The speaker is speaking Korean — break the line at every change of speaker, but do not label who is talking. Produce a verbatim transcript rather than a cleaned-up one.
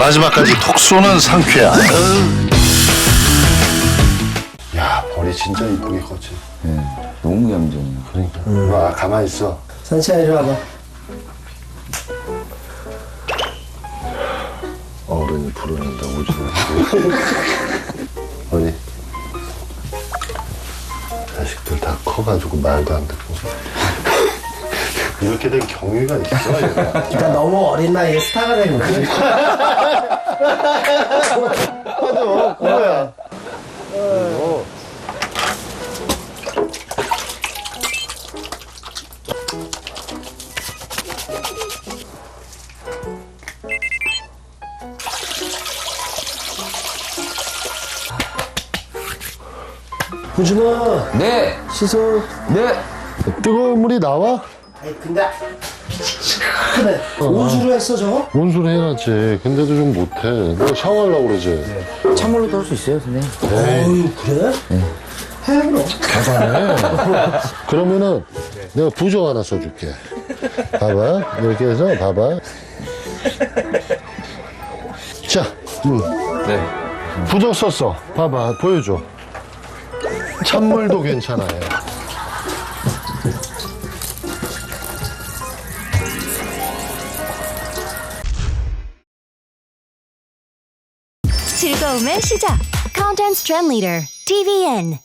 마지막까지 톡 쏘는 상쾌함.
야, 벌이 진짜 이쁘게 컸지.
네, 너무 얌전해요.
그러니까. 음. 아, 가만히 있어.
산치야 이리 와봐.
어른이 부르는데 오지 마. 어디? 자식들 다 커가지고 말도 안 듣고. 이렇게 된 경위가 있어, 얘가.
그러니까 너무 어린 나이에 스타가 된 거지.
맞아, 그거야. 어.
구준아
네!
씻어.
네!
뜨거운 물이 나와?
아이 근데 그래 온수로 했어 저거?
온수를 해야지. 근데도 좀 못해. 너 샤워하려고 그러지?
찬물로도 할 수 있어요, 선생님?
어유 그래? 해 그럼.
잘하네. 그러면은 내가 부적 하나 써줄게. 봐봐. 이렇게 해서 봐봐. 자, 음.
네.
부적 썼어. 봐봐. 보여줘. 찬물도 괜찮아요.
즐거움의 시작. Content Trend Leader 티비엔.